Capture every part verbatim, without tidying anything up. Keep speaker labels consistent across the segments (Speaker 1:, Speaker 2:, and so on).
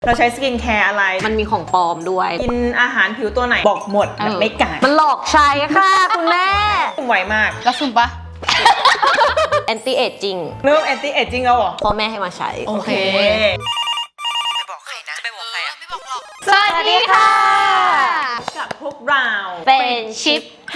Speaker 1: เราใช้สกินแคร์อะไร
Speaker 2: มันมีของปลอมด้วย
Speaker 1: กินอาหารผิวตัวไหนบอกหมดแบบไม่กัด
Speaker 2: มันหลอกใช้ค่ะคุณแม่
Speaker 1: สุ่มไวมาก
Speaker 3: แล้วสุ่มปะ
Speaker 2: anti aging
Speaker 1: เริ่ม anti aging แล้วเหรอ
Speaker 2: พ่อแม่ให้มาใช้
Speaker 3: โอเค
Speaker 1: ไปบอกใครนะไปบอกใครอะไม่บอกหรอก
Speaker 3: สวัสดีค่ะ
Speaker 1: กับพวกเรา
Speaker 2: เป็นชิปไฮ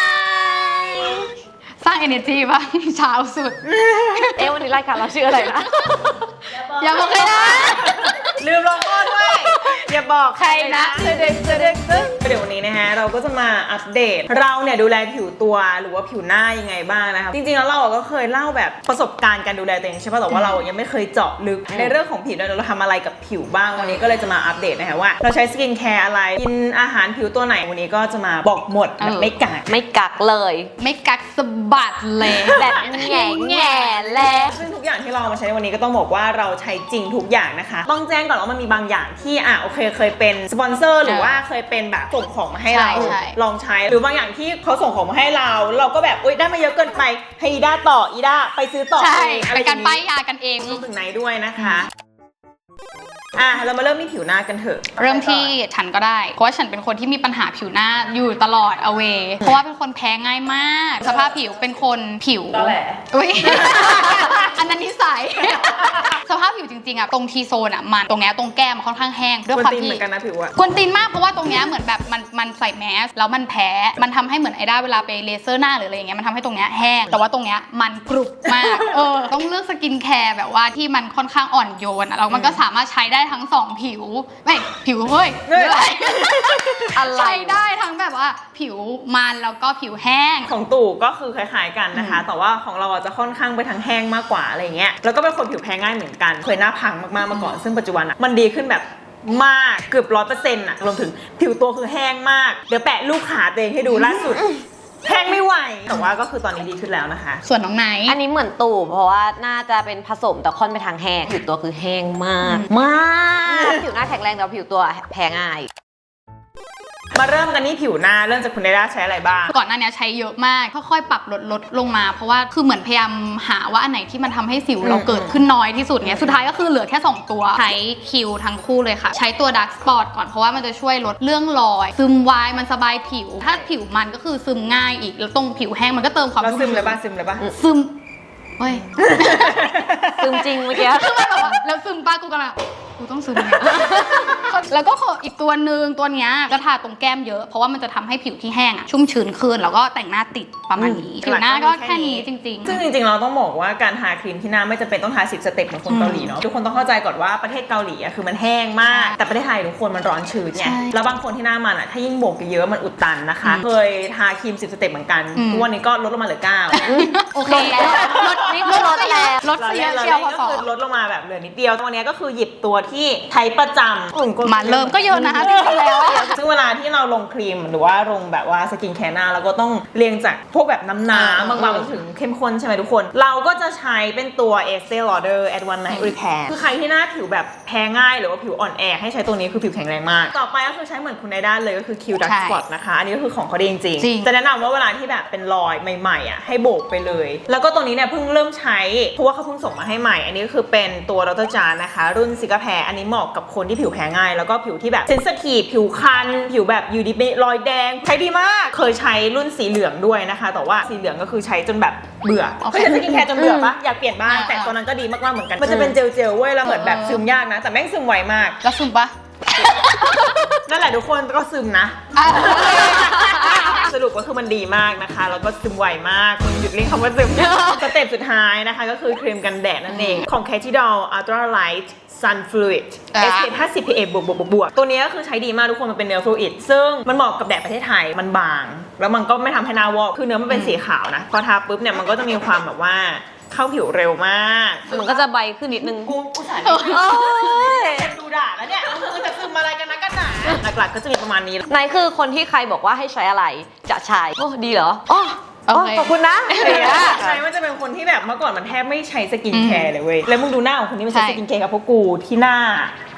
Speaker 3: สร้าง energy ป่ะเช้าสุด
Speaker 2: เอ๊ะวันนี้รายการเราชื่ออะไรนะ
Speaker 3: อย่าบอกใครนะ
Speaker 1: ลืมลงโทษด้วยอย่าบอก
Speaker 3: ใครนะ
Speaker 1: เด็กเด็กเดี๋ยววันนี้นะฮะเราก็จะมาอัปเดตเราเนี่ยดูแลผิวตัวหรือว่าผิวหน้ายังไงบ้างนะคะจริงๆแล้วเราก็เคยเล่าแบบประสบการณ์การดูแลตัวเองใช่ป่ะแต่ว่าเรายังไม่เคยเจาะลึกในเรื่องของผิวเราทำอะไรกับผิวบ้างวันนี้ก็เลยจะมาอัปเดตนะคะว่าเราใช้สกินแคร์อะไรกินอาหารผิวตัวไหนวันนี้ก็จะมาบอกหมดแบบไม่กัก
Speaker 2: ไม่กักเลย
Speaker 3: ไม่กักสะบัดเลย
Speaker 2: แบบแง่แง่แล้ว
Speaker 1: ซึ่งทุกอย่างที่เรามาใช้ในวันนี้ก็ต้องบอกว่าเราใช้จริงทุกอย่างนะคะต้องแจ้งก่อนว่ามันมีบางอย่างที่อ่ะโอเคเคยเป็นสปอนเซอร์หรือว่าเคยเป็นแบบส่งของมาให้เราลองใช้หรือบางอย่างที่เขาส่งของมาให้เราเราก็แบบอุ๊ยได้มาเยอะเกินไปให้อีด้าต่ออีด้าไปซื้อต่อ
Speaker 3: ใช่เป็นการป้ายยากันเอง
Speaker 1: รวมถึงไหนด้วยนะคะอ่ะเรามาเริ่มที่ผิวหน้ากันเถอะ
Speaker 3: เริ่มที่ฉันก็ได้เพราะว่าฉันเป็นคนที่มีปัญหาผิวหน้าอยู่ตลอดเอาเวเพราะว่าเป็นคนแพ้ง่ายมากสภาพผิวเป็นคนผิว
Speaker 1: แหละ
Speaker 3: อุ้ยอันนั้นนิสัยสภาพผิวจริงๆอ่ะตรงทีโซนอ่ะมันตรงเนี้ยตรงแก้มมันค่อนข้างแห้งด้วยความที่
Speaker 1: เหมือนกันนะผิวอ่ะ
Speaker 3: กวนตีนมากเพราะว่าตรงเนี้ยเหมือนแบบมันมันใส่แมสแล้วมันแพ้มันทำให้เหมือนไอด้าเวลาไปเลเซอร์หน้าหรืออะไรอย่างเงี้ยมันทำให้ตรงเนี้ยแห้งแต่ว่าตรงเนี้ยมันกรุบมากเออต้องเลือกสกินแคร์แบบว่าที่มันค่อนข้างอ่อนโยนแล้วมันก็สามารถใช้ได้ทั้งสองผิวไม่ผิวเฮ้ยอะไรใช้ได้ทั้งแบบว่าผิวมันแล้วก็ผิวแห้ง
Speaker 1: ของตู่ก็คือคล้ายๆกันนะคะแต่ว่าของเราจะค่อนข้างไปทางแห้งมากกว่าอะไรเงี้ยแล้วก็เป็นคนผิวแพ้ง่ายเหมือนกันเคยหน้าพังมากๆมาก่อนซึ่งปัจจุบันอ่ะมันดีขึ้นแบบมากเกือบร้อยเปอร์เซ็นต์อ่ะรวมถึงผิวตัวคือแห้งมากเดี๋ยวแปะรูปขาตัวเองให้ดูล่าสุดแห้งไม่ไหวแต่ว่าก็คือตอนนี้ดีขึ้นแล้วนะคะ
Speaker 3: ส่วนน้องไนท์
Speaker 2: อันนี้เหมือนตู่เพราะว่าน่าจะเป็นผสมแต่ค่อนไปทางแห้งผิวตัวคือแห้งมากมากผิวหน้าแข็งแรงแต่ผิวตัวแพ้ง่าย
Speaker 1: มาเริ่มกันที่ผิวหน้าเริ่มจากคุณไดด้าใช้อะไรบ้าง
Speaker 3: ก่อนหน้านี้ใช้เยอะมากค่อยๆปรับลดลดลงมาเพราะว่าคือเหมือนพยายามหาว่าอันไหนที่มันทำให้สิวเราเกิดขึ้นน้อยที่สุดเงี้ยสุดท้ายก็คือเหลือแค่สองตัวใช้คิวทั้งคู่เลยค่ะใช้ตัว Dark Spot ก่อนเพราะว่ามันจะช่วยลดเรื่องรอยซึมไวมันสบายผิวถ้าผิวมันก็คือซึมง่ายอีกแล้วตรงผิวแห้งมันก็เติมความ
Speaker 1: ซึมเลยป่ะซึมเลยป่ะ
Speaker 3: ซึมเฮ้ย
Speaker 2: ซึมจริงเมื่อกี้
Speaker 3: แล้วซึมป้ากูกันอะกูต้องซึมเนี่ยแล้วก็ขออีกตัวหนึ่งตัวเนี้ยก็ทาตรงแก้มเยอะเพราะว่ามันจะทำให้ผิวที่แห้งอะชุ่มชื้นขึ้นแล้วก็แต่งหน้าติดประมาณนี้ผิวหน้าก็แค่นี้จริงๆ
Speaker 1: ซึ่งจริงๆเราต้องบอกว่าการทาครีมที่หน้าไม่จำเป็นต้องทาสิบสเต็ปเหมือนคนเกาหลีเนาะทุกคนต้องเข้าใจก่อนว่าประเทศเกาหลีอะคือมันแห้งมากแต่ประเทศไทยทุกคนมันร้อนชื้นไงแล้วบางคนที่หน้ามันอะถ้ายิ่งโบกเยอะมันอุดตันนะคะเคยทาครีมสิบสเต็ปเหมือนกันทุกวันนี้ก็ลดลงมาเหลือเก้า
Speaker 3: โอเคแล้วลดนี่ลดแล้วลดเสียเชียวพอสอ
Speaker 1: ลดลงมาแบบเหลือนิดเดียววันนี้ก็คือหยิบตัวที่ใช้ประจำ
Speaker 3: มาเริ่มก็เยอะนะคะจริงๆแล้ว
Speaker 1: ซึ่งเวลาที่เราลงครีมหรือว่าลงแบบว่าสกินแคร์หน้าเราก็ต้องเรียงจากพวกแบบน้ำน้ำบางๆไปถึงเข้มข้นใช่ไหมทุกคนเราก็จะใช้เป็นตัว Estee Lauder Advanced Night Repair คือใครที่หน้าผิวแบบแพ้ง่ายหรือว่าผิวอ่อนแอให้ใช้ตัวนี้คือผิวแข็งแรงมากต่อไปก็คือใช้เหมือนคุณไดด้าเลยก็คือ Q Dark Spot นะคะอันนี้ก็คือของเขาดีจริงๆจะแนะนำว่าเวลาที่แบบเป็นรอยใหม่ๆอ่ะให้โบกไปเลยแล้วก็ตัวนี้เนี่ยเพิ่งเริ่มใช้เพราะว่าเขาเพิ่งส่งมาให้ใหม่อันนี้ก็คือเป็นตัวดร.จานนะคะรุ่นซิกาแพรอันนี้เหมาะกับคนที่ผิวแพ้ง่ายแล้วก็ผิวที่แบบเซนซิทีฟผิวคันผิวแบบอยู่ดีรอยแดงใช้ดีมากเคยใช้รุ่นสีเหลืองด้วยนะคะแต่ว่าสีเหลืองก็คือใช้จนแบบเบื่อเคยใช้สกินแคร์จนเบื่อปะอยากเปลี่ยนบ้างแต่ตอนนั้นก็ดีมากๆเหมือนกันมันจะเป็นเจลๆเว้ยแล้วเหมือนแบบซึมยากนะแต่แม่งซึมไวมาก
Speaker 3: แล้วซึมปะ
Speaker 1: นั่นแหละทุกคนก็ซึมนะสรุปก็คือมันดีมากนะคะแล้วก็ซึมไวมากหยุดเรียกคำว่าซึมสเต็ปสุดท้ายนะคะก็คือครีมกันแดดนั่นเองของ Cashidol Ultra Light Sun Fluid เอส พี เอฟ ห้าสิบ พี เอ บวกบวกบวกตัวนี้ก็คือใช้ดีมากทุกคนมันเป็นเนื้อฟลูอิดซึ่งมันเหมาะกับแดดประเทศไทยมันบางแล้วมันก็ไม่ทำให้หน้าวอกคือเนื้อมันเป็นสีขาวนะพอทาปุ๊บเนี่ยมันก็จะมีความแบบว่าเข้าผิวเร็วมาก
Speaker 2: มันก็จะใบขึ้นนิดนึง
Speaker 1: กูกูสายดูด่าแล้วเนี่ยคือจะซึมอะไรกันนะกันหนาหลักๆก็จะมีประมาณนี้
Speaker 2: นายคือคนที่ใครบอกว่าให้ใช้อะไรจะใช้โอ้ดีเหรออ๋อขอบคุณนะ
Speaker 1: ใช่มันจะเป็นคนที่แบบเมื่อก่อนมันแทบไม่ใช้สกินแคร์เลยเว้ยแล้วมึงดูหน้าของคนนี้มันใช้สกินแคร์กับพวกกูที่หน้า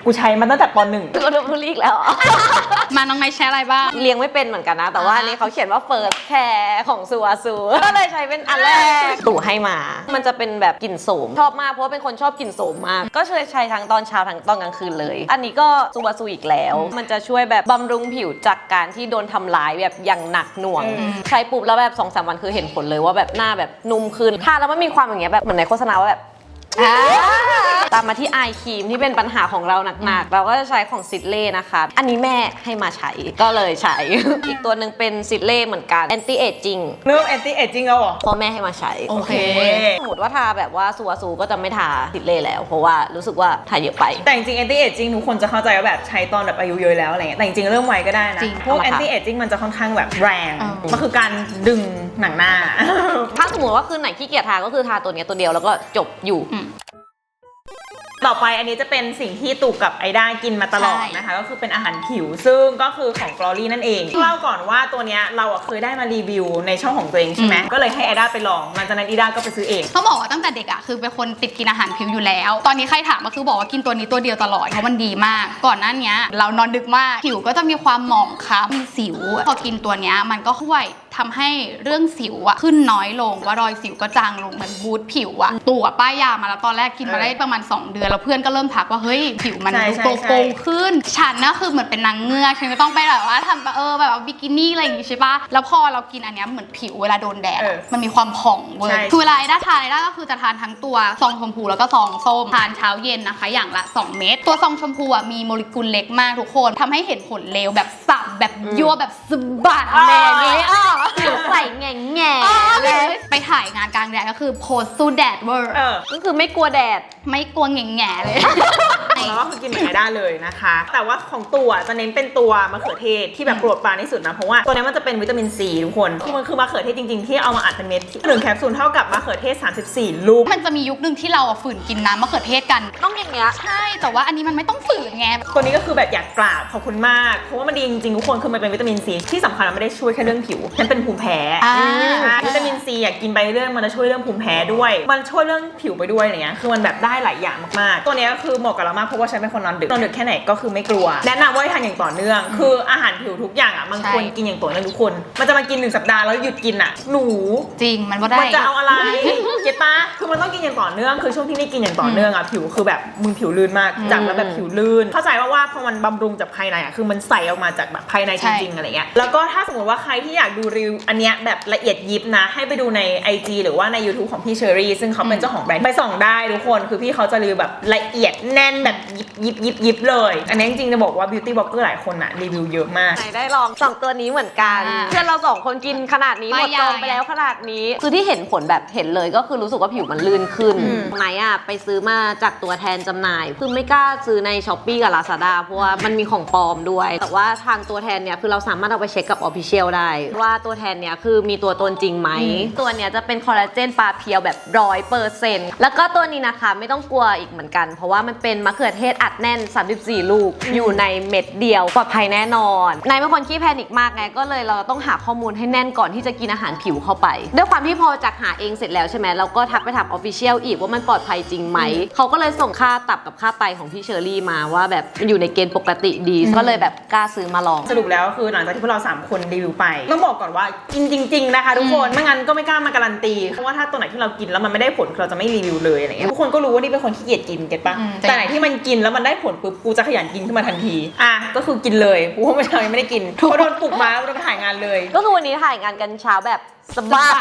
Speaker 1: กูใช้มาตั้งแต่ปหนึ่ง
Speaker 2: ก็ดูรีกแล้วเหรอ
Speaker 3: มาน้องไนท์ใช้อะไรบ้าง
Speaker 2: เลี้ยงไม่เป็นเหมือนกันนะ แต่ว่าอันนี้เขาเขียนว่า first care ของซูอาซูก็เลยใช้เป็นอันแรกตู่ให้มา มันจะเป็นแบบกลิ่นโสมชอบมากเพราะว่าเป็นคนชอบกลิ่นโสมมากก็ใช้ใช้ทั้งตอนเช้าทั้งตอนกลางคืนเลย อันนี้ก็ซูอาซูอีกแล้วมันจะช่วยแบบบำรุงผิวจากการที่โดนทำร้ายแบบอย่างหนักหน่วงใช้ปุ๊บแล้วแบบสองสามวันคือเห็นผลเลยว่าแบบหน้าแบบนุ่มขึ้นทาแล้วมันมีความอย่างเงี้ยแบบเหมือนในโฆษณาว่าแบบตามมาที่ไอครีมที่เป็นปัญหาของเราหนักๆเราก็จะใช้ของซิดเล่นะคะอันนี้แม่ให้มาใช้ก็เลยใช้ อีกตัวหนึ่งเป็นซิดเล่เหมือนกัน anti aging
Speaker 1: เริ่มแอนตี้เอจจิ้งแล้วเหรอ
Speaker 2: พ่อแม่ให้มาใช้
Speaker 1: โอเค
Speaker 2: สมมติว่าทาแบบว่าซูอาซูก็จะไม่ทาซิดเล่แล้วเพราะว่ารู้สึกว่าทาเยอะไป
Speaker 1: แต่จริงๆ anti aging ทุกคนจะเข้าใจว่าแบบใช้ตอนแบบอายุเยอะแล้วอะไรเงี้ยแต่จริงๆเริ่มไวก็ได้นะ
Speaker 3: จริง
Speaker 1: พวก
Speaker 2: เอามาทา
Speaker 1: anti aging มันจะค่อนข้างแบบแรง
Speaker 3: เออ
Speaker 1: มันคือการดึงหนังหน้า
Speaker 2: ถ้าสมมติว่าคืนไหนขี้เกียจทาก็คือทาตัวเนี้ยตัวเดียวแล้วก็จบอยู่
Speaker 1: ต่อไปอันนี้จะเป็นสิ่งที่ตู่กับไอด้ากินมาตลอด
Speaker 3: ใช่
Speaker 1: นะคะก็คือเป็นอาหารผิวซึ่งก็คือของ Glory นั่นเองเล่าก่อนว่าตัวเนี้ยเราอะเคยได้มารีวิวในช่องของตัวเองใช่ไหมก็เลยให้ไอด้าไปลองหลังจากนั้นไอด้าก็ไปซื้อเอง
Speaker 3: ต้องบอกว่าตั้งแต่เด็กอะคือเป็นคนติดกินอาหารผิวอยู่แล้ว ตอนนี้ใครถามก็คือบอกว่ากินตัวนี้ตัวเดียวตลอดเพราะมันดีมาก ก่อนหน้านี้เรานอนดึกมากผิวก็จะมีความหมองคล้ำมีสิว พอกินตัวเนี้ยมันก็ช่วยทำให้เรื่องสิวอะขึ้นน้อยลงว่ารอยสิวก็จางลงเหมือนบูทผิวอะตัวป้ายยามาแล้วตอนแรกกินมาได้ประมาณสองเดือนแล้วเพื่อนก็เริ่มทักว่าเฮ้ยผิวมัน
Speaker 1: ใช่
Speaker 3: ดู
Speaker 1: ใช่
Speaker 3: โก
Speaker 1: ใช่
Speaker 3: โก้ขึ้นฉันน่ะคือเหมือนเป็นนางเงือกฉันก็ต้องไปแบบว่าทำเออแบบว่าบิกินี่อะไรอย่างงี้ใช่ปะแล้วพอเรากินอันเนี้ยเหมือนผิวเวลาโดนแดด
Speaker 1: เอ
Speaker 3: อะ
Speaker 1: อ
Speaker 3: มันมีความผ่องเว้ย
Speaker 1: ใช่
Speaker 3: คือเวลาไอ้ด้าทานไอ้ด้าก็คือจะทานทั้งตัวซองชมพูแล้วก็ซองส้มทานเช้าเย็นนะคะ อย่างละสองเม็ดตัวซองชมพูอ่ะมีโมเลกุลเล็กมากทุกคนทำให้เห็นผลเร็วแบบสับแบบยั่วแบบสะบัดแม่นี้อ่ะ
Speaker 2: ผิวใส่แง่แง่
Speaker 3: เลยไปถ่ายงานกลางแดดก็คือโพสสู้แดดเวอร์
Speaker 1: เออ
Speaker 2: ก็คือไม่กลัวแดด
Speaker 3: ไม่กลัวแง่แง่เลย
Speaker 1: แล้วก็คือกินเหมือนไอด้าเลยนะคะ แต่ว่าของตัวจะเน้นเป็นตัวมะเขือเทศที่แบบโปรดปรานที่สุดนะเพราะว่าตัวนี้มันจะเป็นวิตามินซีทุกคนคือมันคือมะเขือเทศจริงๆที่เอามาอัดเป็นเม็ดหนึ่งแคปซูลเท่ากับมะเขือเทศสามสิบสี่ลูก
Speaker 3: มันจะมียุคหนึ่งที่เราอะฝืนกินน้ำมะเขือเทศกัน
Speaker 2: ต้องอย่างเงี้ย
Speaker 3: ใช่แต่ว่าอันนี้มันไม่ต้องฝืนไง
Speaker 1: ตัวนี้ก็คือแบบอยากกราบขอบคุณมากเพราะว่ามันดีจริงๆทุกคนคือมันเป็นวิตามินซีที่สำคัญมันไม่ได้ช่วยแค่เรื่องผิวมันเป็นภูมิแพ้
Speaker 3: อ่า
Speaker 1: ใช่วิตามินซีอยากกินไปเรื่อยมันจะช่วยเรื่องภูมิแพ้ด้วยมันช่วยเรื่องผิวไปด้วยอะไรเงี้ยคือมันแบบได้หลายอย่างมากๆตัวนี้ก็คือเหมาะกับเรามากเพราะว่าฉันเป็นคนนอนดึกนอนดึกแค่ไหนก็คือไม่กลัวแนะนำว่าให้ทานอย่างต่อเนื่องคืออาหารผิวทุกอย่างอ่ะมันควรกินอย่างต่อเนื่องทุกคนมันจะมากินหนึ่งสัปดาห์แล้วหยุดกินอ่ะหนู
Speaker 3: จริงมันว่าได้
Speaker 1: มันจะเอาอะไร เก็ตปะคือมันต้องกินอย่างต่อเนื่อง คือช่วงที่ไม่กินอย่างต่อเนื่องอ่ะ ผิวคือแบบมึงผิวลื่นมาก จากแล้วแบบผิวลื่น เข้าใจว่าว่าพอมันบำรุงจากภายในอ่ะ คือมันใสออกมาจากแบบภายในจริงๆอะไรเงี้ย แล้วก็ถ้าสมมติว่าใครที่อยากดูรีวิวอันเนี้ยแบบละเอียดยิบนะ ให้ไปดูใน ไอ จี หรือว่าใน YouTube ของพี่เชอรี่ ซึ่งเขาเป็นเจ้าของแบรนด์ ไปส่องได้ทุกคน คือพี่เขาจะรีวิวแบบละเอียดแน่นแบบยิบยิบยิบยิบเลย อันนี้จริงๆจะบอกว่า beauty blogger หลายคนอ่ะรีวิวเยอะมาก
Speaker 2: ไหนได้ลองสองตัวนี้เหมือนกัน
Speaker 3: อ่า
Speaker 2: เพื่อนเราสองคนกินขนาดนี้หมดจองไปแล้วขนาดนี้ คือที่เห็นผลแบบเห็นเลยก็คือรู้สึกว่าผิวมันลื่นขึ้น
Speaker 1: อืม
Speaker 2: ไหนอ่ะไปซื้อมาจากตัวแทนจำหน่ายคือไม่กล้าซื้อใน Shopee กับ Lazada เพราะว่ามันมีของปลอมด้วย แต่ว่าทางตัวแทนเนี่ยคือเราสามารถเอาไปเช็คกับ Official ได้ ว่าตัวแทนเนี่ยคือมีตัวตนจริงไหม ตัวเนี้ยจะเป็นคอลลาเจนปลาเพียวแบบร้อยเปอร์เซ็นต์แล้วก็ตัวนี้นะคะไม่ต้องกลัวอีกเหมือนกัน เพราะว่ามันเป็นมะเขือเทศอัดแน่นสามสิบสี่ลูกอยู่ในเม็ดเดียวปลอดภัยแน่นอนนายเป็นคนขี้แพนิคมากไงก็เลยเราต้องหาข้อมูลให้แน่นก่อนที่จะกินอาหารผิวเข้าไปด้วยความที่พอจากหาเองเสร็จแล้วใช่ไหมเราก็ทักไปถาม Official อีกว่ามันปลอดภัยจริงไหมเขาก็เลยส่งค่าตับกับค่าไตของพี่เชอรี่มาว่าแบบมันอยู่ในเกณฑ์ปกติดีก็เลยแบบกล้าซื้อมาลอง
Speaker 1: สรุปแล้วคือหลังจากที่พวกเราสามคนรีวิวไปต้องบอกก่อนว่ากินจริงๆนะคะทุกคนไม่งั้นก็ไม่กล้ามาการันตีเพราะว่าถ้าตัวไหนที่เรากินแล้วมันไม่ได้ผลเราจะไม่รีวิวเลยอะไรเงี้ยทุกคนก็รู้ว่านี่เป็นคนขี้เกียจกินเก็ตปะ
Speaker 3: อืม
Speaker 1: แต่ไหนที่มันกินแล้วมันได้ผลปุ๊บกูจะขยันกินขึ้นมาทันทีอ่ะก็คือกินเลยกูว่าไม่ทำยังไม่ได้กินพอโดนปลุกมาแล้วโดนไปถ่ายงานเลย
Speaker 2: ก็คือวันนี้ถ่ายงานกันเช้าแบบสบาย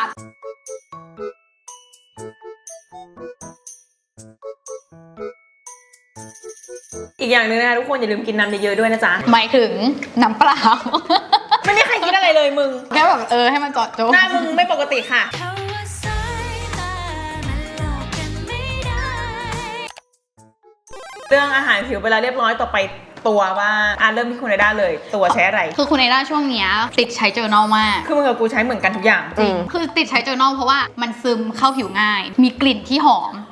Speaker 1: อีกอย่างหนึงนะคะทุกคนอย่าลืมกินน้ำเยอะๆด้วยนะจ๊ะ
Speaker 3: หมายถึงน้ำเปล่า
Speaker 1: ไม่มีใครคิดอะไรเลยมึง
Speaker 3: แค่แบบเออให้มันเจาะจง
Speaker 1: หน้ามึงไม่ปกติค่ะเรื่องอาหารผิวไปแล้วเรียบร้อยต่อไปตัวว่าอ่ะเริ่มที่คุณไอด้าเลยตัวใช้อะไร
Speaker 3: คือคุณไอด้าช่วงเนี้ยติดใช้เจอร์นอลมาก
Speaker 1: คือมึงกับกูใช้เหมือนกันทุกอย่าง
Speaker 2: จริง
Speaker 3: คือติดใช้เจอร์นอลเพราะว่ามันซึมเข้าผิวง่าย มีกลิ่นที่หอม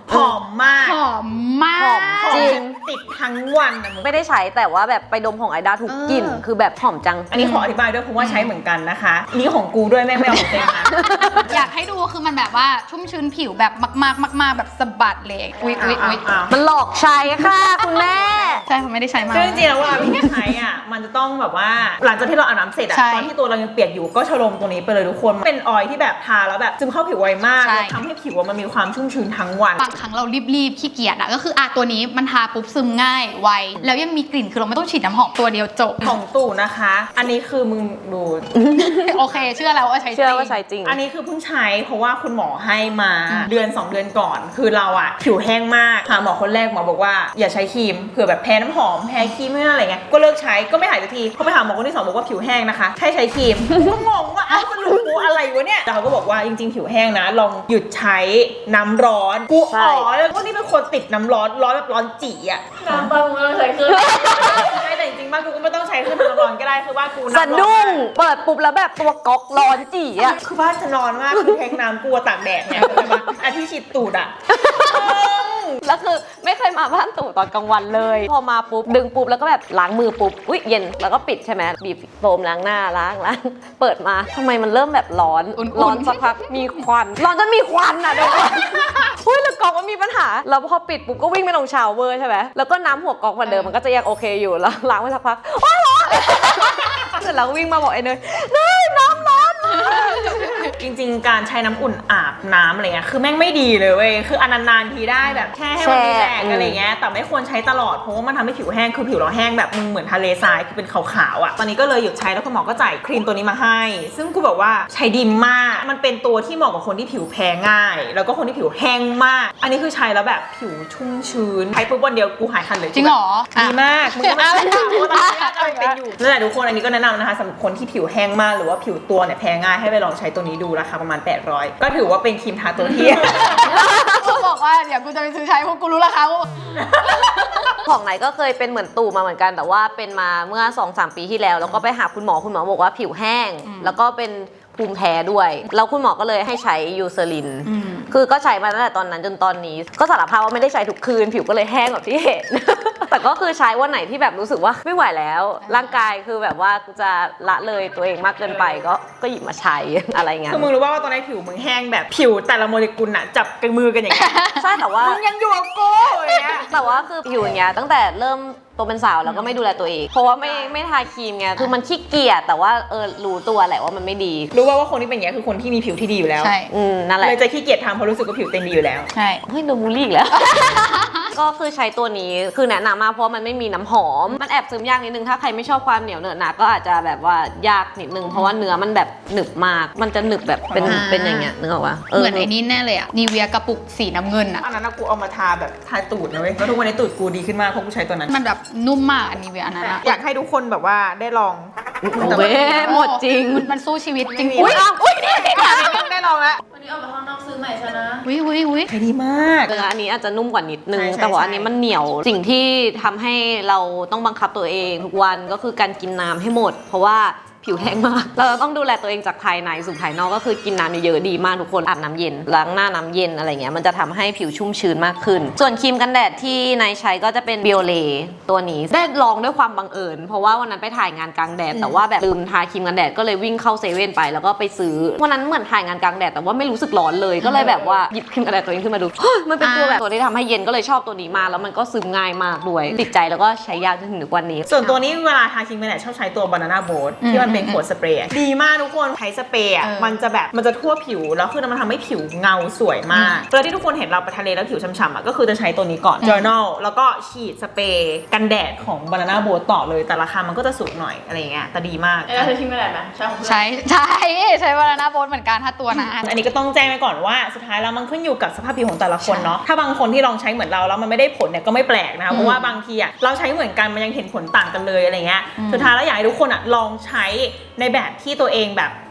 Speaker 1: หอมมาก
Speaker 3: หอมมาก
Speaker 2: หอมจริง
Speaker 1: ติดทั้งวันนะมึง
Speaker 2: ไม่ได้ใช้แต่ว่าแบบไปดมของไอด้าทุกกลิ่น
Speaker 3: เออ
Speaker 2: คือแบบหอมจัง
Speaker 1: อันนี้ขออธิบายด้วยเพราะว่าใช้เหมือนกันนะคะนี่ของกูด้วยแม่งไม่เอาของเต็มนะ
Speaker 3: อยากให้ดูคือมันแบบว่าชุ่มชื้นผิวแบบมากๆมากๆแบบสะบัดเลยอุ๊ยอุ๊ยอุ๊ย
Speaker 1: อ้าว
Speaker 2: มันหลอกใช้ค่ะคุณแม่
Speaker 3: ใช่ผมไม่ได้ใช้มา
Speaker 1: ซึ่งจริงๆแล้วเวลาพี่ใช้อ่ะมันจะต้องแบบว่าหลังจากที่เราอาบน้ำเสร็จอ่ะ
Speaker 3: ใช่
Speaker 1: ตอนที่ตัวเรายังเปียกอยู่ก็ชโลมตัวนี้ไปเลยทุกคนเป็นออยล์ที่แบบทาแล้วแบบซึมเข้าผิวไวมาก
Speaker 3: ใช่
Speaker 1: แล้วทำให้ผิวอะมันมีความชุ่มชื้นทั้งวัน
Speaker 3: บางครั้งเรารีบๆขี้เกียจอะก็คืออ่ะตัวนี้มันทาปุ๊บซึมง่ายไวแล้วยังมีกลิ่นคือเราไม่ต้องฉีดน้ำหอมตัวเดียวจบ
Speaker 1: ของตู่นะคะ อันนี้คือมึงดู
Speaker 3: โอเค เชื่อแล้วว่าใช้จริง
Speaker 2: เชื่อว่าใช้จริง
Speaker 1: อันนี้คือเพิ่งใช้เพราะว่าคุณหมอให้มาเดือนสองเดือนก่อน คือเราอะผิวแห้งมากหาหมอคนแรกหมอบอกว่าอย่าใช้ครีมเผื่อแบบแพ้น้ำหอมแพ้ครีมไม่อะไรเงี้ยก็เลิกใช้ก็ไม่หายสักทีพอไปหาหมอคนที่สองบอกว่าผิวแห้งนะคะให้ใช้ครีมก็งงว่าเอ้าสรุปกูอะไรวะเนี่ยแต่เขาก็บอกว่าจริงๆผิวแห้งนะลองหยุดใช้น้ำร้อนกู
Speaker 2: ใช่
Speaker 1: อ๋อแล้วก็นี่เป็นคนติดน้ำร้อนร้อนแบบร้อนจี๋อะ
Speaker 4: น้ำปลามึงไม่ต้องใช้เครื่อง
Speaker 1: ใช่แต่จริงๆบ้านกูก็ไม่ต้องใช้เครื่องทำน้ำร้อนก็ได้คือว่ากู
Speaker 2: สะ
Speaker 1: น้ำร้อน
Speaker 2: ดุ้ง
Speaker 1: มาก
Speaker 2: เปิดปุ๊บแล้วแบบตัวก๊อกร้อนจี๋อะ
Speaker 1: คือบ้านจะนอนมากคือแทงน้ำกลัวตากแดดเนี่ยเข้าใจปะอาที่ฉีดตูดอ่ะ
Speaker 2: แล้วคือไม่เคยมาบ้านตู่ตอนกลางวันเลย พอมาปุ๊บดึงปุ๊บแล้วก็แบบล้างมือปุ๊บอุ้ยเย็นแล้วก็ปิดใช่ไหมบีบโฟมล้างหน้าล้างล้างเปิดมาทำไมมันเริ่มแบบร้อน
Speaker 3: อุ่นๆ
Speaker 2: ร้อนสักพักมีควันร้อนจนมีควันอ่ะเดี๋ยวก่อนอุ้ยแล้วก๊อกมันมีปัญหาแล้วพอปิดปุ๊บก็วิ่งไปลงชาวเวอร์ใช่ไหมแล้วก็น้ำหัวก๊อกเหมือนเดิมมันก็จะยังโอเคอยู่แล้วล้างไปสักพักโอ๊ยร้อนเสร็จแล้ววิ่งมาบอกไอ้เนยเนยน้ำร้อน
Speaker 1: จริงๆ การใช้น้ำอุ่นอาบน้ำอะไรเงี้ยคือแม่งไม่ดีเลยเว้ยคืออันนานๆทีได้แบบแค่ให้มันรีแลกซ์อะไรเงี้ยแต่ไม่ควรใช้ตลอดเพราะว่ามันทำให้ผิวแห้งคือผิวเราแห้งแบบมึงเหมือนทะเลทรายคือเป็นขาวๆอ่ะตอนนี้ก็เลยหยุดใช้แล้วคุณหมอก็จ่ายครีมตัวนี้มาให้ ซึ่งกูบอกว่าใช้ดีมากมันเป็นตัวที่เหมาะกับคนที่ผิวแพ้ง่าย แล้วก็คนที่ผิวแห้งมาก อันนี้คือใช้แล้วแบบผิวชุ่มชื้นใช้ปุ๊บวันเดียวกูหายคันเลย
Speaker 3: จริงเหรอ
Speaker 1: ดีมากมึงก็ไม่ต้องถามว่าตอนนี้อะไรเป็นอยู่นั่นแหละทุกคนอันนี้ก็แนะนำนะคะสำหรับคนที่ผิวแห้งมากหรือว่าผิวตัวเนี่ยแพ้ง่ายให้ไปลองใช้ตัวนี้ดูราคาประมาณแปดร้อยก็ถือว่าเป็นครีมทาตัวที่
Speaker 3: เขาบอกว่าเดี๋ยวกูจะไปซื้อใช้เพราะกูรู้ราคาว่า
Speaker 2: ของไหนก็เคยเป็นเหมือนตู่มาเหมือนกันแต่ว่าเป็นมาเมื่อ สองสาม ปีที่แล้วแล้วก็ไปหาคุณหมอคุณหมอบอกว่าผิวแห้ง
Speaker 3: อืม
Speaker 2: แล้วก็เป็นภูมิแพ้ด้วยแล้วคุณหมอก็เลยให้ใช้ยูเซริน
Speaker 3: อืม
Speaker 2: คือก็ใช้มาตั้งแต่ตอนนั้นจนตอนนี้ ก็สารภาพว่าไม่ได้ใช้ทุกคืน ผิวก็เลยแห้งแบบที่เห็น แต่ก็คือใช้วันไหนที่แบบรู้สึกว่าไม่ไหวแล้ว ร่างกายคือแบบว่าจะละเลยตัวเองมากเกินไปก็ก็หยิบมาใช้ อะไรเงี้ย
Speaker 1: คือมึงรู้ว่าว่าตอนนี้ผิวมึงแห้งแบบผิวแต่ละโมเลกุลอะจับกันมือกันอย่างเงี้ย
Speaker 2: ใช่แต่ว่า
Speaker 1: มึงยังอยู่กับกูอย่างเงี้ย
Speaker 2: แต่ว่าคือผิวอย่างเงี้ยตั้งแต่เริ่มโตเป็นสาวแล้วก็ไม่ดูแลตัวเอง เพราะว่าไม่ไม่ทาครีมไงคือมันขี้เกียจแต่ว่าเออรู้ตัวแหละว่ามันไม่ดี
Speaker 1: รู้ว่าว่าคนที่เป็นอย่างเงี้ยคือคนที่มีผิวที่ดีอยู่แล้ว
Speaker 3: ใช่
Speaker 2: อืมนั่นแหละ
Speaker 1: เลยจะขี้เกียจทำเพราะรู้สึกว่าผิวเต็มดีอยู่แล้ว
Speaker 3: ใช่
Speaker 2: เฮ้ยโดนบูลลี่อีกแล้ว ก็คือใช้ตัวนี้คือแนะนำมากเพราะมันไม่มีน้ำหอม มันแอบซึมยากนิดนึงถ้าใครไม่ชอบความเหนียวเหนอะหนะก็อาจจะแบบว่ายากนิดนึงเพราะว่าเนื้อมันแบบหนึบมาก มันจะหนึบแบบเป็น
Speaker 3: อ่า
Speaker 2: เป็นอย่างเงี้ยนึกออกปะ
Speaker 3: เหมือนไอ้นี่แน่เลยอะนีเวียกระปุกสีน้ำเงินอะ
Speaker 1: อันนั้นนะกูเอามาทาแบบทาตูดนะเว้ยแล้วทุกวันนี้ตูดกูดีขึ้นมากเพราะกูใช้ตัวนั้น
Speaker 3: มันแบบนุ่มมากอันนีเวียอันนั้นอะ
Speaker 1: อยากให้ทุกคนแบบว่าได้ลอง
Speaker 2: เว้ยหมดจริง
Speaker 3: มันมันสู้ชีวิตจริง
Speaker 1: อุ้ยอุ้ยนี่ได้ลองแล้ว
Speaker 4: วันนี้ออกมาข้างนอกซื้อใหม่ชนะ
Speaker 3: วิวิวิ
Speaker 1: ใช้ดีมาก
Speaker 2: เอออันนี้อาจจะนุ่มกว่านิดนึง
Speaker 1: ใช่ใช่
Speaker 2: แต่ว่า
Speaker 1: ใช่
Speaker 2: อันนี้มันเหนียวสิ่งที่ทำให้เราต้องบังคับตัวเองทุกวันก็คือการกินน้ำให้หมด เพราะว่าผิวแห้งมาก เราต้องดูแลตัวเองจากภายในสู่ภายนอกก็คือกินน้ำเยอะๆดีมากทุกคนอาบน้ำเย็นล้างหน้าน้ำเย็นอะไรเงี้ยมันจะทำให้ผิวชุ่มชื้นมากขึ้น ส่วนครีมกันแดดที่นายใช้ก็จะเป็น Biolé ตัวนี้ได้ลองด้วยความบังเอิญเพราะว่าวันนั้นไปถ่ายงานกลางแดดแต่ว่าแบบลืมทาครีมกันแดดก็เลยวิ่งเข้าเซเว่นไปแล้วก็ไปซื้อวันนั้นเหมือนถ่ายงานกลางแดดแต่ว่าไม่รู้สึกร้อนเลยก็เลยแบบว่าหยิบครีมกันแดดตัวเองขึ้นมาดู มันเป็นตัวแบบตัวที่ทำให้เย็นก็เลยชอบตัวนี้มากแล้วมันก็ซึมง่ายมากด้วยติดใจแล้วก็ใช้ยากจนถึงทุกวันนี้
Speaker 1: ส่วนตัวนี้เวลาทาครีมกันแดดชอบใช้ตัว Banana Boat ที่มันเป็นขวดสเปรย์อะดีมากทุกคนใช้สเปรย์อะมันจะแบบมันจะทั่วผิวแล้วคือมันทำให้ผิวเงาสวยมากเวลาที่ทุกคนเห็นเราไปทะเลแล้วผิวช้ำๆอะก็คือจะใช้ตัวนี้ก่อน Journal แล้วก็ฉีดสเปรย์กันแดดของ Banana Boat ต่อเลยแต่ราคามันก็จะสูงหน่อยอะไรเงี้ยแต่ดีมาก
Speaker 4: ไอ้เราใช้ชิมกันแดดไหมใช่ของเพื่อน
Speaker 3: ใช้ใช่ใช้วานาโบนเหมือนกันถ้าตัวนะ
Speaker 1: อันนี้ก็ต้องแจ้งไว้ก่อนว่าสุดท้ายแล้วมันขึ้นอยู่กับสภาพผิวของแต่ละคนเนาะถ้าบางคนที่ลองใช้เหมือนเราแล้วมันไม่ได้ผลเนี่ยก็ไม่แปลกนะคะเพราะว่าบางทีอะเราใช้เหมือนกันมันยังเห็นผลต่างกันเลยอะไรเงี้ยสุดท้ายแล้วอยากให้ทุกคนอะลองใช้ในแบบที่ตัวเองแบบ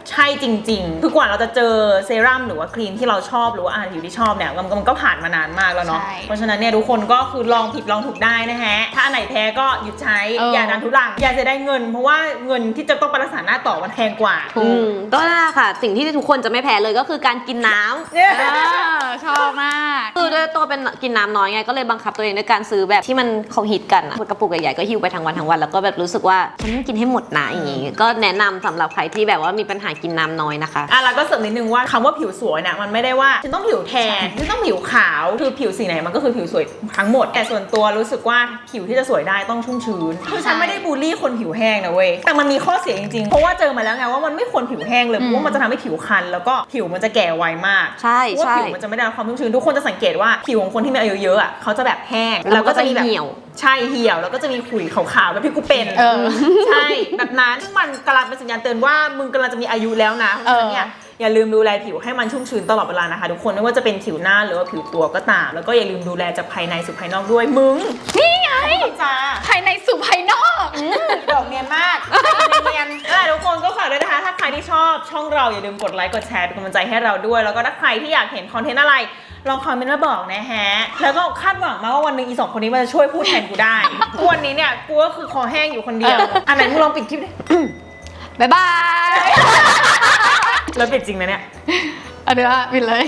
Speaker 1: ใช่จริงๆคือกว่าเราจะเจอเซรั่มหรือว่าครีมที่เราชอบหรือว่าอาหารผิวที่ชอบเนี่ยมันมันก็ผ่านมานานมากแล้วเนาะ
Speaker 3: ใช่
Speaker 1: เพราะฉะนั้นเนี่ยทุกคนก็คือลองผิดลองถูกได้นะฮะถ้าอันไหนแพ้ก็หยุดใช้
Speaker 3: เออ
Speaker 1: อย่าดันทุรังอย่าจะได้เงิน เพราะว่าเงินที่จะต้องไปรักษาหน้าต่อมันแพงกว่า
Speaker 2: อืมก็น่าค่ะ สิ่งที่ทุกคนจะไม่แพ้เลยก็คือการกินน้ำ
Speaker 1: เนี่ย
Speaker 3: เออชอบมาก
Speaker 2: คือด้วยตัวเป็นกินน้ำน้อยไงก็เลยบังคับตัวเองด้วยการซื้อแบบที่มันเขาฮิตกันอะกระปุกใหญ่ๆก็หิวไปทั้งวันทั้งวันแล้วก็แบบรู้สึกว่าฉันต้องกินให้หมดนะอย่างงี้ก็แนะนำสำหรับใครที่แบบว่ามีปัญหากินน้ำน้อยนะคะ
Speaker 1: อ่ะแล้วก็เสริมนิดนึงว่าคำว่าผิวสวยเนี่ยมันไม่ได้ว่าฉันต้องผิวแทนฉันต้องผิวขาวคือผิวสีไหนมันก็คือผิวสวยทั้งหมดแต่ส่วนตัวรู้สึกว่าผิวที่จะสวยได้ต้องชุ่มชื้นคือฉันไม่ได้บูลลี่คนผิวแห้งนะเว้ยแต่มันมีข้อเสียจริงๆเพราะว่าเจอมาแล้วไงว่ามันไม่ควรผิวแห้งเลยเพราะว่ามันจะทำให้ผิวคันแล้วก็ผิวมันจะแก่ไวมาก
Speaker 2: ใช่
Speaker 1: เพราะว่า
Speaker 2: ใช่
Speaker 1: ผิวมันจะไม่ได้รับความชุ่มชื้นทุกคนจะสังเกตว่าผิวของคนที่มีอายุเยอะอ่ะเขาจะแบบแห้ง
Speaker 2: แล้วก็จะ
Speaker 1: มีแบบ
Speaker 2: เหี่ยว
Speaker 1: ใช่เหี่ยวแล้วก็จะมีขุยขาวๆแบบที่กูเป็น
Speaker 3: เออ
Speaker 1: ใช่แบบนั้นซึ่งมันกำลังเป็นสัญญาณเตือนว่ามึงกำลังจะมีอายุแล้วนะเพราะฉะนั้นเนี่ยอย่าลืมดูแลผิวให้มันชุ่มชื้นตลอดเวลานะคะทุกคนไม่ว่าจะเป็นผิวหน้าหรือว่าผิวตัวก็ตามแล้วก็อย่าลืมดูแลจากภายในสู่ภายนอกด้วยมึง
Speaker 3: นี่ไง
Speaker 1: จ้า
Speaker 3: ภายในสู่ภายนอก
Speaker 1: ดอกเนียนมากเนียนๆนั่นแหละทุกคนก็ฝากด้วยนะคะถ้าใครที่ชอบช่องเราอย่าลืมกดไลค์กดแชร์เป็นกำลังใจให้เราด้วยแล้วก็ถ้าใครที่อยากเห็นคอนเทนต์อะไรลองคอมเมนต์มาบอกนะฮะแล้วก็คาดหวังมากว่าวันหนึ่งอีสองคนนี้มันจะช่วยพูดแทนกูได้ทุกวันนี้เนี่ยกูก็คือคอแห้งอยู่คนเดียวอันไหนมึงลองปิดคลิปดิ
Speaker 3: บ๊ายบาย
Speaker 1: แล้วปิดจริงนะเนี่ย
Speaker 3: อันเนี้ยปิดเลย